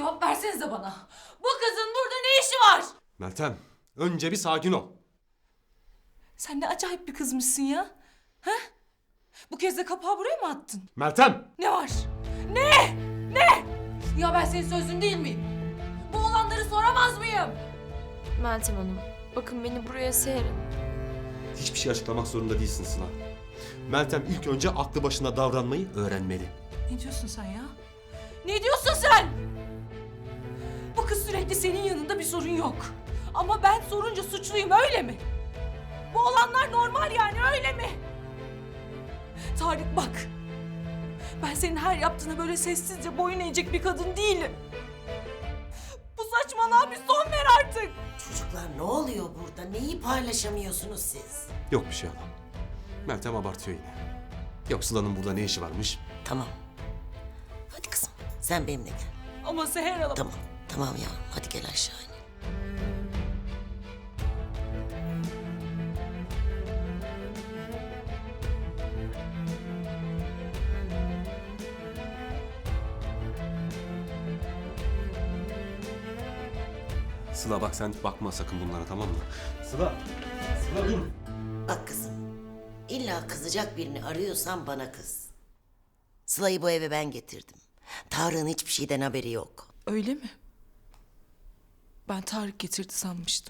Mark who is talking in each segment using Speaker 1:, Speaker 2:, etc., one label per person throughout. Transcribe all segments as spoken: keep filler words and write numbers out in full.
Speaker 1: Cevap versenize bana. Bu kızın burada ne işi var?
Speaker 2: Meltem, önce bir sakin ol.
Speaker 1: Sen ne acayip bir kızmışsın ya. Ha? Bu kez de kapağı buraya mı attın?
Speaker 2: Meltem!
Speaker 1: Ne var? Ne? Ne? Ya ben senin sözün değil miyim? Bu olanları soramaz mıyım?
Speaker 3: Meltem Hanım, bakın beni buraya serin.
Speaker 2: Hiçbir şey açıklamak zorunda değilsin Sıla. Meltem ilk önce aklı başında davranmayı öğrenmeli.
Speaker 1: Ne diyorsun sen ya? Ne diyorsun sen? Bu kız sürekli senin yanında, bir sorun yok. Ama ben sorunca suçluyum, öyle mi? Bu olanlar normal yani, öyle mi? Tarık bak. Ben senin her yaptığına böyle sessizce boyun eğecek bir kadın değilim. Bu saçmalığa bir son ver artık.
Speaker 4: Çocuklar ne oluyor burada? Neyi paylaşamıyorsunuz siz?
Speaker 2: Yok bir şey adam. Meltem abartıyor yine. Yok Sıla'nın burada ne işi varmış?
Speaker 4: Tamam. Hadi kızım sen benimle gel.
Speaker 1: Ama Seher Hanım.
Speaker 4: Tamam. Tamam yavrum hadi gel aşağı in.
Speaker 2: Sıla bak sen bakma sakın bunlara, tamam mı? Sıla! Sıla dur!
Speaker 4: Bak kızım. İlla kızacak birini arıyorsan bana kız. Sıla'yı bu eve ben getirdim. Tarık'ın hiçbir şeyden haberi yok.
Speaker 1: Öyle mi? Ben Tarık getirdi sanmıştım.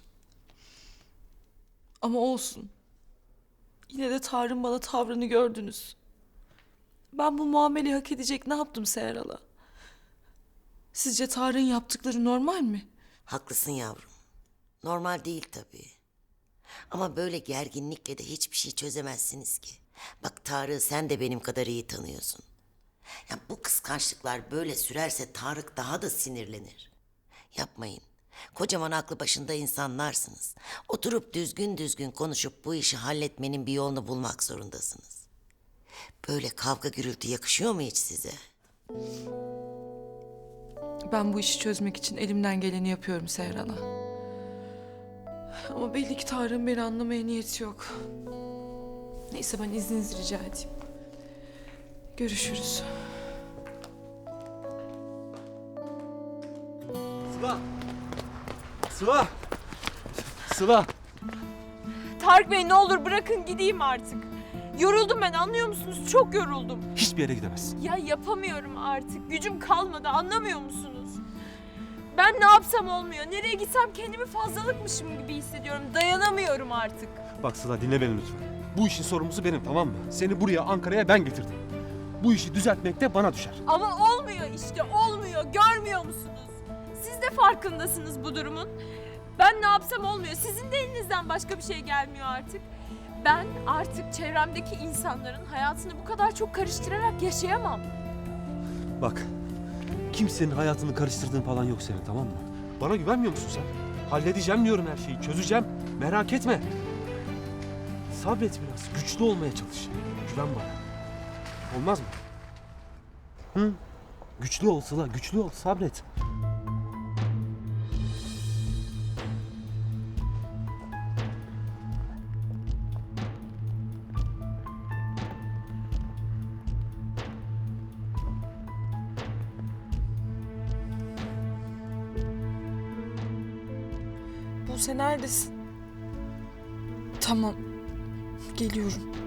Speaker 1: Ama olsun. Yine de Tarık'ın bana tavrını gördünüz. Ben bu muameleyi hak edecek ne yaptım Seher Hala? Sizce Tarık'ın yaptıkları normal mi?
Speaker 4: Haklısın yavrum. Normal değil tabii. Ama böyle gerginlikle de hiçbir şey çözemezsiniz ki. Bak Tarık'ı sen de benim kadar iyi tanıyorsun. Ya bu kıskançlıklar böyle sürerse Tarık daha da sinirlenir. Yapmayın. Kocaman aklı başında insanlarsınız. Oturup düzgün düzgün konuşup bu işi halletmenin bir yolunu bulmak zorundasınız. Böyle kavga gürültü yakışıyor mu hiç size?
Speaker 1: Ben bu işi çözmek için elimden geleni yapıyorum Seher Hala. Ama belli ki Tarık'ın beni anlamaya niyeti yok. Neyse ben izninizi rica edeyim. Görüşürüz.
Speaker 2: Sıla! Sıla! Sıla!
Speaker 3: Tarık Bey ne olur bırakın gideyim artık. Yoruldum ben, anlıyor musunuz? Çok yoruldum.
Speaker 2: Hiçbir yere gidemezsin.
Speaker 3: Ya yapamıyorum artık. Gücüm kalmadı, anlamıyor musunuz? Ben ne yapsam olmuyor. Nereye gitsem kendimi fazlalıkmışım gibi hissediyorum. Dayanamıyorum artık.
Speaker 2: Bak Sıla dinle beni lütfen. Bu işin sorumlusu benim, tamam mı? Seni buraya, Ankara'ya ben getirdim. Bu işi düzeltmek de bana düşer.
Speaker 3: Ama olmuyor işte, olmuyor. Görmüyor musunuz? Siz de farkındasınız bu durumun. Ben ne yapsam olmuyor. Sizin de elinizden başka bir şey gelmiyor artık. Ben artık çevremdeki insanların hayatını bu kadar çok karıştırarak yaşayamam.
Speaker 2: Bak, kimsenin hayatını karıştırdığın falan yok senin, tamam mı? Bana güvenmiyor musun sen? Halledeceğim diyorum her şeyi, çözeceğim. Merak etme. Sabret biraz, güçlü olmaya çalış. Güven bana. Olmaz mı? Hı? Güçlü ol Sıla, güçlü ol, sabret.
Speaker 1: Buse neredesin? Tamam. Geliyorum.